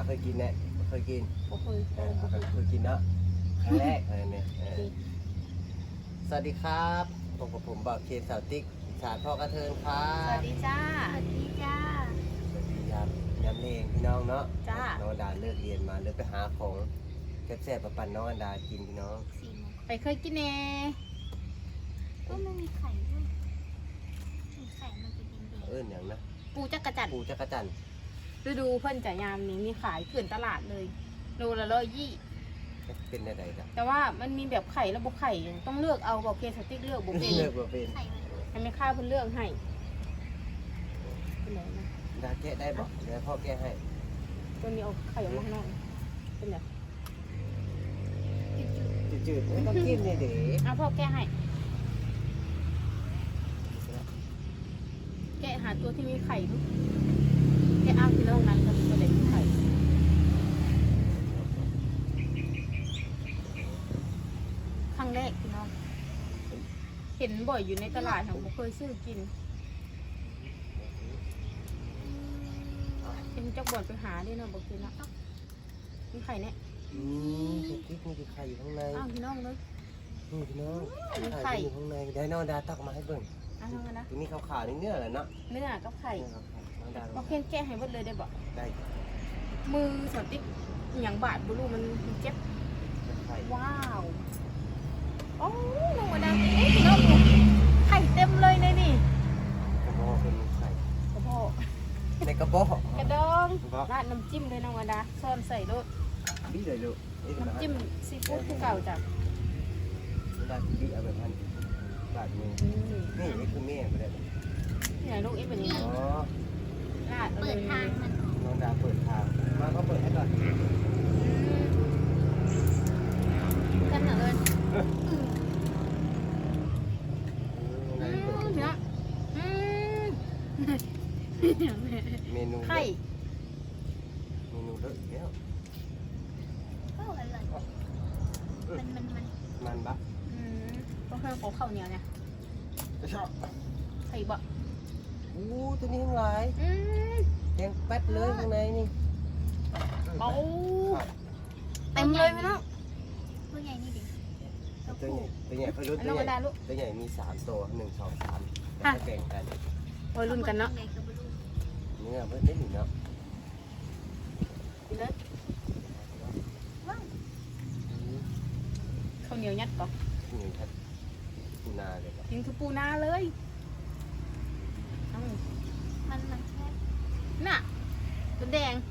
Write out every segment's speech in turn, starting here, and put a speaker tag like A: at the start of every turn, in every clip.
A: ยกินแน่เคยกิน
B: บ่เคย
A: เคยกินเนาะครั้งแรกอะไรเนี่ยสวัสดีครับผมกับผมบ่าวเคนสาวติ๊กสารพ่อกระเทินครั
B: สวั
A: บ
B: สดีจ้า
C: สวัสดีจ้า
A: สวัสดีครับย้ำเลงพี่น้องเนาะ
B: จ้า
A: น้องดาเลิกเรียนมาเลยไปหาของแซ่บๆมาปั่นน้องอันดากินพี่น้อง
C: 4 โมง
B: ไปเคยกินแน่
C: ก็ไม่มีไข่ด้วยมีไข่มันจะเป็นเด็ก
A: อย่างนะ
B: ปูจักรจันทร์
A: ปูจักรจันทร์
B: ฤดูเพิ่นจะยามนี้มีขายเกลื่อนตลาดเลยโลละ120
A: เป็นอะไรกัน
B: แต่ว่ามันมีแบบไข่และบ่ไข่ต้องเลือกเอาบอกเคสติ๊กเลือกบ่เป็น
A: เลิกมาเป็น
C: ไข่มัน
B: ให้แม่ค้าเพิ่นเลือกให้เป็นไหนนะ
A: ดาแกะได้บอกเดี๋ยวพ่อแกะให้
B: ตัวนี้เอาไข่ออกมาข้างนอกเป็นไหน
A: จืดๆไม่ต้องกินเลยเด็ก
B: เอาพ่อแก้ให้แกะหาตัวที่มีไข่ลูกแกะเอาที่โรงนั้นกับตัวเด็กมีไข่ครั้งแรกพี่น้องเห็นบ่อยอยู่ในตลาดค่ะผมเคยซื้อกินเป็นเจ้าบ่อนไปหาด้วยเนาะบอกกินนะมีไข่เนี่ย
A: ติ๊กนี่คือไข่อยู่ข้างใน
B: อ้าวพี่น้องเลย
A: นี่พี่น้อง
B: มีไข่
A: ไข่อยู่ข้างในเดี๋ยวน้องดาตักมาให้เบิ่ง
B: อ้าวน้องกันนะ
A: ทีนี้ขาวๆนี่เนื้อแหละเนาะ
B: เนื้อกับไข่
A: น้องดา
B: บอกเพียงแกะให้หมดเลยได้บอก
A: ได้
B: มือสติ๊กอย่างบาดบุรุมันเจ็บ
A: ไข่
B: ว้าวโอ้ลงมาดังเอ๊ะน้องไข่เต็มเลยในนี่
A: กระบอกเป็นไข่
B: กระเพาะ
A: ในกระบอก
B: กระดองราดน้ำจิ้มเลยน้องวดาซ่อนใส่รส
A: บี้เลยลูกนี่คือ
B: น้ำจิ้มซีฟู้ดคือเก่าจ้ะ
A: น้องดาบี้เอาแบบพันบาทมือนี่นี่คือแม่ไม่ได้
B: นี่ไงลูกอีแบบนี้
A: อ๋อ
B: ราด
C: เปิดทางมัน
A: น้องดาเปิดทางมาก็เปิดให้ก่อน
B: กันเหรอเอิญ
A: เ
B: เนาะ
A: มนู
B: ไข่
A: เมนูเลอะอีกแล้ว
C: ก็อร่อยมัน
A: มันบะ
B: ต้องเพิ่มของข้าวเหนียวเนี่ย
A: ชอบ
B: ไข่บะ
A: อู้ตัวนี้ทั้งหลายแดงแป๊ดเลยข้างในนี่
B: เบาเต็มเลยไหมน้อง
C: พวกใหญ่นี่ดิ
A: ตัวใหญ่เขารุ่น
B: น้
A: ตั
B: อง
A: ว
B: ว
A: ใหญ่
B: ดาลูก
A: ตัวใหญ่มี3ตัว1 2 3แบ่งกัน
B: โอ้ยรุ่นกันเนาะ
C: ใหญ่กับบลู
A: เนื้อเพิ่มได้หนึ่งเนาะ
B: กินเลยข้าวเหนียวยัดก่อน
A: นี่ครับปูนาเลยครับ
B: กินคือปูนาเลยเอา
C: มันแค่
B: น่ะตัวแดง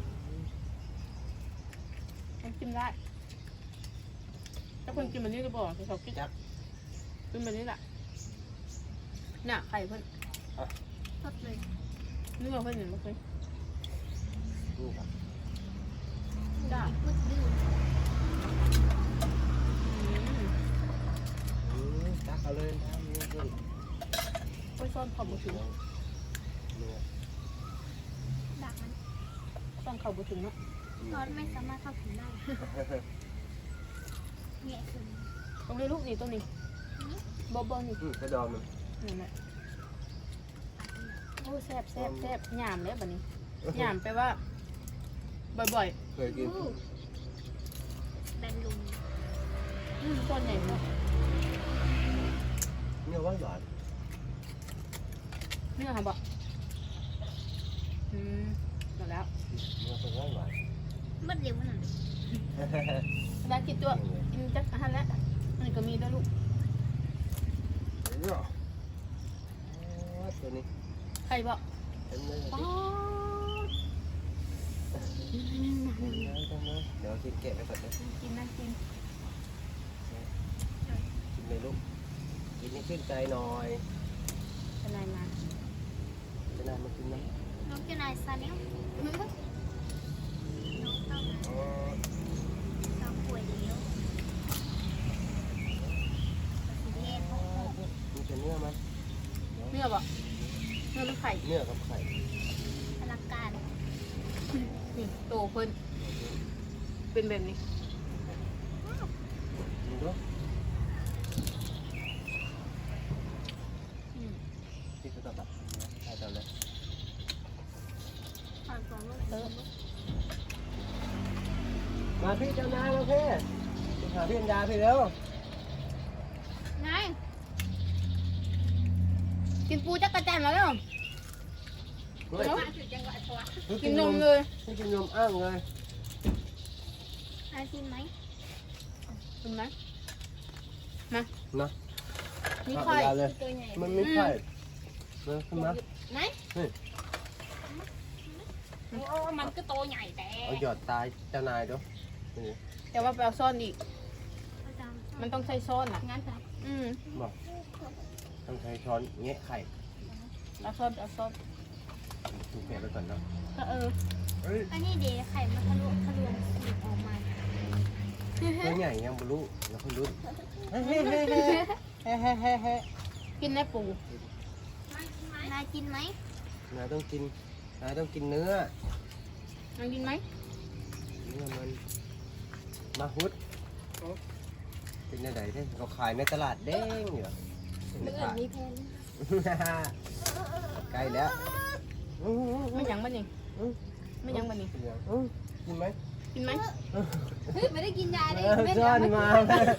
B: ต้องกินได้ถ้าคนกินแบบนี้ก็บอกเขากินกินแบบนี้แหละน่ะไข่เพิ่น
C: สดเลย
B: เนื้อเพิ่นเห็นไหมเคย
A: นี่ครับ
B: ได้
C: พูดดื้อ
A: ตักเอาเลยนะเนื้อขึ้น
B: ไปซ่อนเข่าบุถึง
A: เนื้อ
C: ดักมัน
B: ซ่อนเข่าบุถึงเนาะ
C: ซอสไม่สามารถเข้าถึงได้แง่ขึ้น
B: ตรงนี้ลูกนี่ตรงนี้บอบนี่
A: กระดองมัน
B: นี่แหละโอ้แซ่บแซ่บแซ่บหยามเลยแบบนี้หยามแปลว่าบ่อย
A: เคยกิน
C: แบนลุง
B: ๆต้นใหญ่มาก
A: เนื้อหวานหวาน
B: เนื้อค่ะบอกหมดแล้ว
A: เนื้อเป็นหวานหวาน
C: มันเร็วขนาดนี้
B: ได้กินตัวกินจักอาหารแล้วอันนี้ก็มีด้วยลูก
A: เนื้อตัวนี้
B: ไข่บอก
A: เต็มเลย
B: อ๋อ
A: เดี๋ยวกินแกะไปก่อนนะ
B: กินนะกิน
A: กินเลยลูกกินให้ชื่นใจหน่อย
B: เป็นไรมา
A: จะนานมากินนะ
C: น้องเจ้านายซาเนียลน้องเข้ามา
A: อ๋อ
C: น้องป่วยเดียวสีแดงโอ้โห
A: มีแต่เนื้อไหม
B: เนื้อบอกเนื้อหรือไข่
A: เนื้อกับไข่
C: อลังการ
B: นี่โตเพิ่นเป็นแบบนี้
A: กินด้วยกินตัวตับใช่ตอนเลย
C: ผ่านสองโลก
B: เออ
A: มาพี่เจ้านายมาพี่หาพี่อัญญาพี่เร็ว
C: ไงกินปูจักรจันทร์แล้วเนาะ
A: เฮ้ย
B: กินนมเลย
A: ไม่กินนมอ้างเลย
C: นายกินไหม
B: กินไหม
A: นะ
B: มีไข่
A: เอาเลย
C: ตัวใหญ่
A: มันไม่ไข่นะขึ้นมา
C: ไหน
A: นี่
C: โอ้มันก็โตใหญ่แต่
A: เอาหยอดตายเจ้านายด้วยนี่
B: แต่ว่าไปเอาซ่อนอีก มันต้องใช้ซ่อนอ่ะ
C: งั้นครับ
A: บอกต้องใช้ช้อนแงะไข่
B: เอาซ่อนเอาซ่อน
A: ถูกแกะไปก่อนเนาะ
B: ก็เออ
A: เฮ้ย
C: อันนี้เดี๋ยวไข่มันทะลุสีออกมา
A: ตัวใหญ่ยังบรู้แล้วคุณรู้
B: กินได้ปู
C: นายกินไหม
A: นายต้องกินนายต้องกินเนื้อ
B: มันกินไหม
A: เนื้อมันมาฮุดเป็นยังไงที่เขาขายในตลาดเด้งอยู่
C: เมื่อมีแพน
A: ใกล้แล้ว
B: ไม่ยังมันนี่ไม่ยังมันนี่
A: กินไหม
B: กินไหม
C: เฮ้ยไม่ได้กินยาเลย
A: ซ่อนมา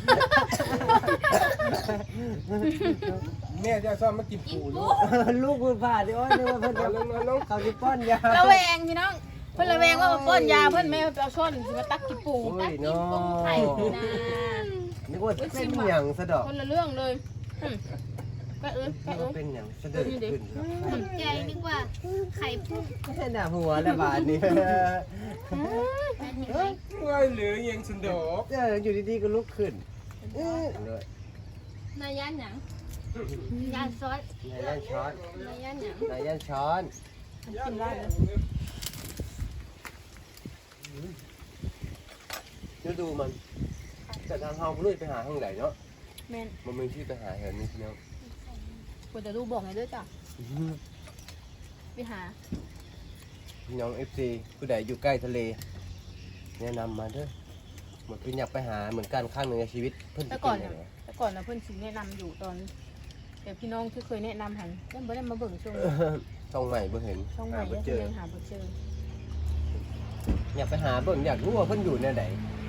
D: แม่จะซ่อมมากินปูลูก
A: ลูกคุณผ่าดิโอ้ยนึกว่าเพิ่นจะเขาจะป้อนยา
B: ระแวงพี่น้องเพิ่นระแวงว่ามาป้อนยาเพิ่นไม่ไปเอาซ่อนสิมาตักกินปู
A: โอ้ยน้อ
C: ไข่
A: ง
C: นะ
A: นึกว่าเป็นอย่างสะดอก
B: คนละเรื่องเลยก็เออก็
A: นึก
B: เอ
A: ว่า
B: อ
A: เป็นอย่างสะเดิดขึ้น
C: ใจนึกว่าไข่พุ่ง
A: ไม่ใช่หน้าหัวแล้วบาดนี้
C: นายกินไหม
D: ว่าเหลือยังสันดอก
A: อยู่ดีๆก็ลุกขึ้นเลย
C: นายย่านหยังยานซอส
A: นายย่านช้อน
C: นายย่านหยัง
A: นายย่านช้อน
B: กินได้เลย
A: ฤดูมันแต่ทางเฮาลุยไปหาทางไหนเนาะ
B: แม่น
A: มันมีที่ไปหาเห็นนี่เนาะ
B: ควรจะดูบอกไงด้วยจ้ะไปหา
A: พี่น้อง FC ผู้ใดอยู่ใกล้ทะเลแนะนำมาเด้อเหมือนเป็นอยากไปหาเหมือนกันข้างหนึ่งในชีวิตเพิ่น
B: แต่
A: จะ
B: ก่อน
A: เป็
B: น่ะ
A: นยังไง
B: แต่ก่อนนะเพื่อนสิแนะนำอยู่ตอนแต่พี่น้องที่เคยแนะนำหันยังไม่ได้มาเบิ่งช่วงนี้
A: ช่องใหม่เพิ่งเห็น
B: ช่องใหม่
A: หาบ่
B: ยัง
A: เจอ
B: ยังหาบ่เจอ
A: อยากไปหาเบิ่งอยากรู้ว่าเพิ่นอยู่ในไหน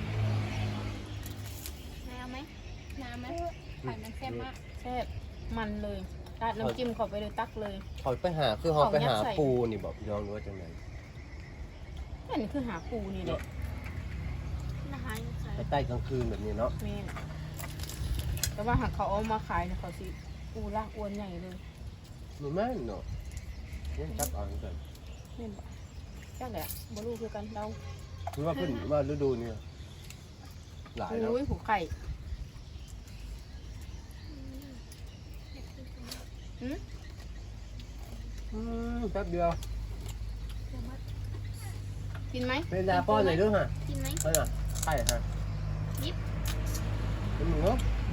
C: นายเอาไหมน้ำไหมไข่มันแซ่บมาก
B: แซ่บมันเลยราดน้ำจิ้มเข้าไปเลยตักเลย
A: เขาไปหาคือเขาไปหา
B: ของยัดใส่
A: ปูนี่บอกพี่น้องรู้ว่าจังไหน
B: นั่นคือหาปูนี่แหละ
C: นะคะใส่
A: ไปใต้กลางคืนแบบนี้เนาะ
B: แม่นแต่ว่าหากเขาเอามาขายเนี่ยเขาสิปูลากอวนใหญ่เลย
A: มันแม่นเนาะยังจับเอาเหมือนกัน
B: แม่นบ่จักแหละบ่รู้คือกันเรา
A: คือว่าเพิ่นว่าฤดูนี้หลายเนาะ
B: โอ้ยหูไข่หืม
A: แป๊บเดียว
B: กินไหม
A: เป็นยาป้อนหน่อยด้วยฮะ
C: กินไหม
A: เฮ้ยน่ะไข่ฮะ
C: ยิบ
A: เป็นหมู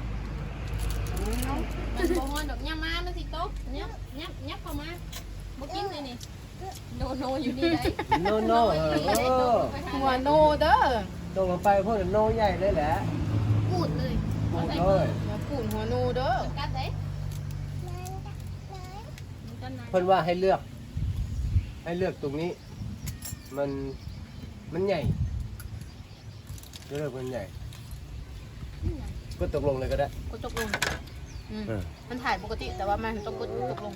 C: มันโบฮอนดอกย่ามามันสิโต๊ะยับเข้ามาบ่กินเลยนี่โนอยู่นี่ได้
A: โนโน่เออ
B: หัวโนเด้อ
A: ตรงลงไปพวกนั้นโนใหญ่เลยแหละ
C: พูดเลย
A: ปูดเลย
B: หัวปูนหัวโนเด้อ
C: กัดได้
A: เพิ่นว่าให้เลือก ให้เลือกตรงนี้ มันใหญ่เลือกมันใหญ่ก็ตกลงเลยก็ได้
B: กดตกลงมันถ่ายปกติแต่ว่ามันต้องกดตกลง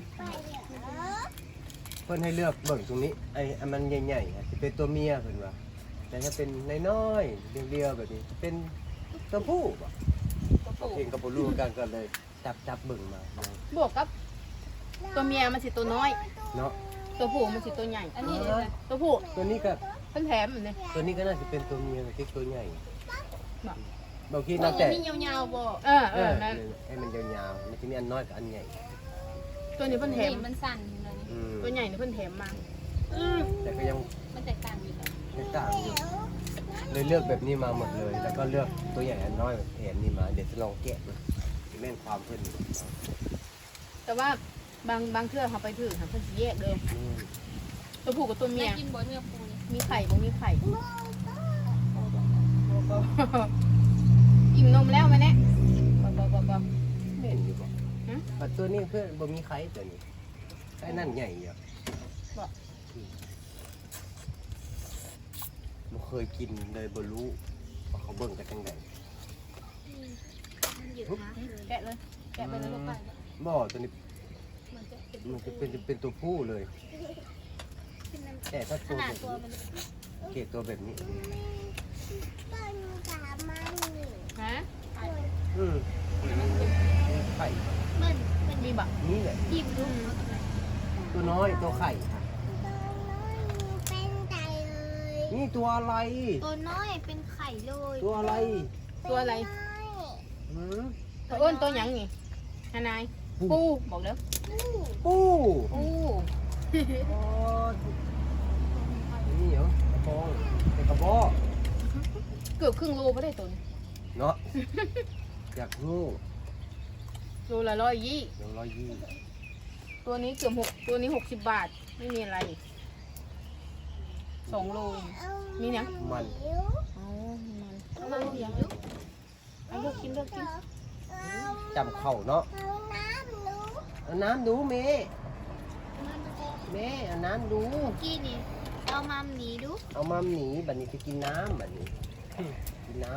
A: เพิ่นให้เลือกเบิ่งตรงนี้ไอ้อันมันใหญ่ๆจะเป็นตัวเมียเพิ่นว่าแต่ถ้าเป็นน้อยๆเรียวๆแบบนี้เป็นตัวผู้บ่เองกับบ่รู้กันก็เลยจับเบิ่งมา
B: บวกกับตัวเมียมันสิตัวน้อย
A: เนาะ
B: ตัวผู้มันสิตัวใหญ่
C: อันนี้
B: ตัวผู้
A: ตัวนี้ก็
B: เพิ่นแถมอยู่นี่
A: ตัวนี้ก็น่าจะเป็นตัวเมียที่ตัวใหญ่
B: บ่
A: บางที
C: ตั
A: นั
C: ว
A: บแต่
C: นี้ยาวๆบ่
B: นั่น
A: ให้มันยาวๆมันจะมีอันน้อยกับอันใหญ่
B: ตัวนี้เพิ่นแถม
C: มันสั่นเลยนี่
B: ตัวใหญ่นี่เพิ่นแถมมา
A: แต่ก็ยัง
C: มันแตกต่างอยู่กัน
A: ไม่ต่างอยู่เลยเลือกแบบนี้มาหมดเลย แล้วก็เลือกตัวใหญ่อันน้อยแถมนี่มาเดี๋ยวจะลองแกะดูแม่นความเพิ่น
B: แต่ว่าบางเทื่อเขาไปถือค่ะเพิ่นสิแยกเลยตัวผู้กับตัวเมี
C: แม่
B: ย
C: กินบ่เนื้อปูนี่
B: มีไข่บ่มีไข่อิ่มนมแล้วไหมเนี่ยบ่
A: แม่นอยู่บ่แต่ตัวนี้เพื่อนบ่มีไข่ตัวนี้ไข่นั่นใหญ่อยู่บ่เคยกินเลยบ่รู้ว่าเขาเบิ่งกันจังได
C: มันอยู่นะ
B: แกะเลยแกะไปเลยลูกไป
A: บ่ตัวนี้
C: มันจะเป็น
A: มันจะเป็นตัวผู้เลย แต่ถ้า
C: ข
A: ตัว
C: นา
A: แบ
C: ด
A: บ
C: ตัว
A: นี้
C: มัน
A: เกรดตัวแบบนี้
B: ฮะ
A: อืมไข่
C: มัน
B: มีบัก
A: นี่แหละ
C: จิ้มดู
A: ตัวน้อยตัวไข่ค่ะนี่ตัวอะไร
C: ตัวน้อยเป็นไข่เลย
A: ตัวอะไร
B: ตัวอะไร
A: หืม
B: ตัวอ้วนตัวหยังนี่ฮานายปูบอกเด้อ
A: ปู
B: ปู
A: โอ้นี่เหรอกระบองเป็นกระบอก
B: เกือบครึ่งโลไม่ได้ตัวนี้
A: เนาะอยากรู้
B: โลละ120
A: เดี๋ยว120
B: ตัวนี้เกือบตัวนี้60 บาทไม่มีอะไร2 โลมีเนี่ย
A: มัน
B: อ๋อมันเอามาลูกยังเอาลูกกินเลือกกิน
A: จำเข่าเนาะเอาน้ำดูเมย์เมย์เอาน้ำดู
C: กี้นี่เอามาหนีดู
A: เอามาหนีบัดนี้จะกินน้ำบัดนี้กินน้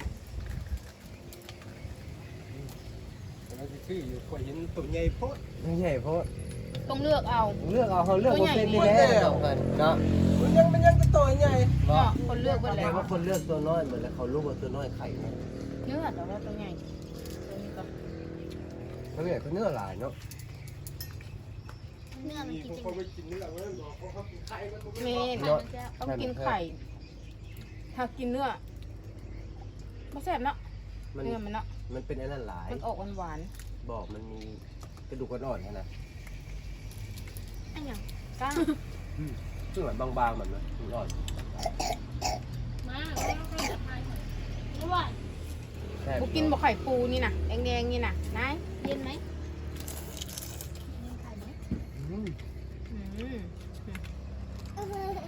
D: แล้วจะซื้ออยู่ข่อยเห็นตัวใหญ่โพด
A: ำไม่ใช่เพราะ
B: ต้องเลือกเอา
A: เลือกเอาเขาเลือกคนเป็นไปแล้วกันเนาะ
D: มันยังก็ตัวใหญ่
B: เนาะคนเลือกไป
A: แต่
B: แล้ว
A: ว่าคนเลือกตัวน้อยเหมือนแล้วเขารู้ว่าตัวน้อยไข่นะ
B: เนื้อแต่ว่าตัวใหญ่ตัวนี้ก็
A: เขาเนี่ยเขาเนื้อหลายเนาะ
C: เนื้อมัน
D: มี
C: กิน
D: คน
C: จริง
D: เขาไปกินเนื้อมันบอกเขากินไข่มันก็
B: เม
D: ไม่
B: น
A: เนาะ
B: ต้องกินไข่ ถ้ากินเนื้อไม่แซ่บเนาะ
A: มัน
B: เนื้อมันเนาะ
A: มันเป็นอันนั้นหลาย
B: มันออกหวาน
A: บอกมันมีกระดูกอ่อนๆนะ
C: อันอย่าง
B: ๆก้าง
A: ซึ่งแบบบางๆแบบนั้นอ่อน
C: มาแล้วก็จะพายหน่อยอร่อย
A: แซ่บ
B: บุกินบ่ไข่ปูนี่นะแดงๆนี่นะนาย
C: เย็นไหมเย็นไข่ไหม
A: อืม
B: อืม
A: อ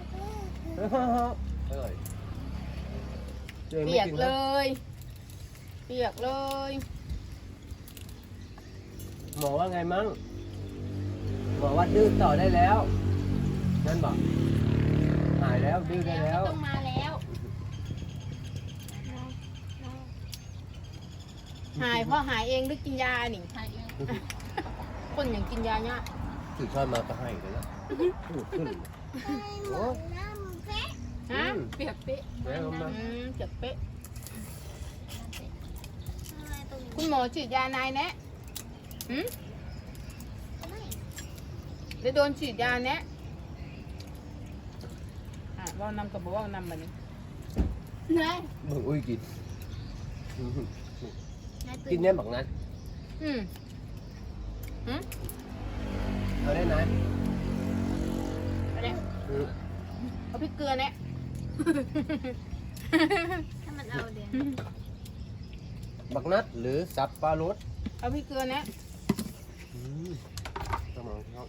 A: ร่อยตัวอง
B: เปี
A: ไม่
B: ยก
A: น
B: เล
A: นะ
B: ย เปียกเลย
A: หมอว่าไงมั่งหมอว่าดื้อต่อได้แล้ว นั่นบอกหายแล้วดื้อได้แล้ว
C: ต้องมาแล้ว
B: หายเพราะหายเองหรือกินยานี่
C: ถ่ายเอง
B: คนอย่างกินยาเนี่ย
A: ถือช้อนมาก็ให้เลยแล้วพูดขึ้นโอ้
B: ฮะเปียกเป๊ะ
A: แม่เอามา
B: เปียกเป๊ะ
C: อะไรตรงนี้
B: คุณหมอฉีดยานายแนะหืม
C: ไม่
B: ได้โดนฉีดยาแนะว่านำกับบอกว่านำมานี่
C: นาย
A: เบิ่งอุ้ยกิน
C: นาย
A: กินเนี่ยบักนั้น
B: อืม
A: เอาได้นะ
B: เอะไร
A: อืม
B: เอาพริกเกลือแนะ
C: ถ้ามันเอาเดี๋ยว
A: บักนัดหรือสับปลารส
B: เอาพริกเกลือแนะ
A: ต้องมองเขา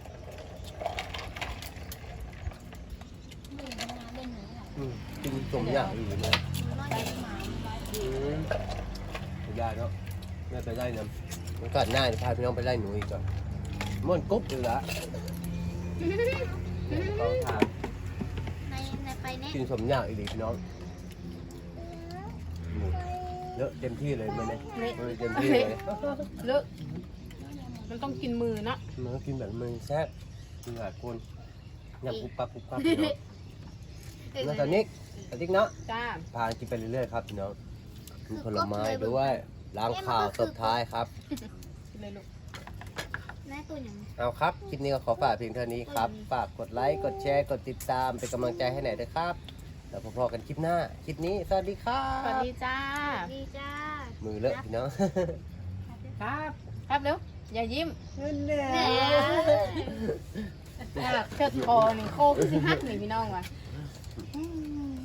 C: เล่นมาเล่นหนูเหรอ
A: กินสมอย่างอื่นเลย
C: น้อยมา
A: ไม่ได้เนาะไม่ไปไล่น้ำมันกัดหน้าจะพาพี่น้องไปไล่หนูอีกก่อนม่วนกุ๊บเลยละเขาทาน
C: นายไปเนี่ย
A: กินสมอย่างอีกดิพี่น้องหมูเยอะเต็มที่เลยมันเนี่ยเต็มที่เลย
B: เลอะมันต้องกินมือเนาะ
A: มันก็กินแบบมึงแซ่บกินหลายคนยำปุ๊บปั๊บปุ๊บปั๊บพี่น้องแล้วตอนนี้เนาะ
B: จ้า
A: พากินไปเรื่อยๆครับพี่น้องมีผลไม้ด้วยล้างข่าวตบท้ายครับ
B: กินเลยลูก
C: นายตัวอย่าง
A: เอาครับ คลิปนี้ก็ขอฝากเพียงเท่านี้ครับ ฝากกดไลค์ กดแชร์ กดติดตาม เป็นกำลังใจให้หน่อยด้วยครับ แล้วพบกันคลิปหน้า คลิปนี้ สวัสดีครั
B: สวัส
A: บ
B: ดีจ้า
C: ดีจ้า
A: มือเลอะพี่น้อง
B: ครับ ครับเร็ว อย่ายิ้ม
C: แน่
B: เชิดคอหนึ่งโคกสิฮักหนึ่งพี่น้องว่ะ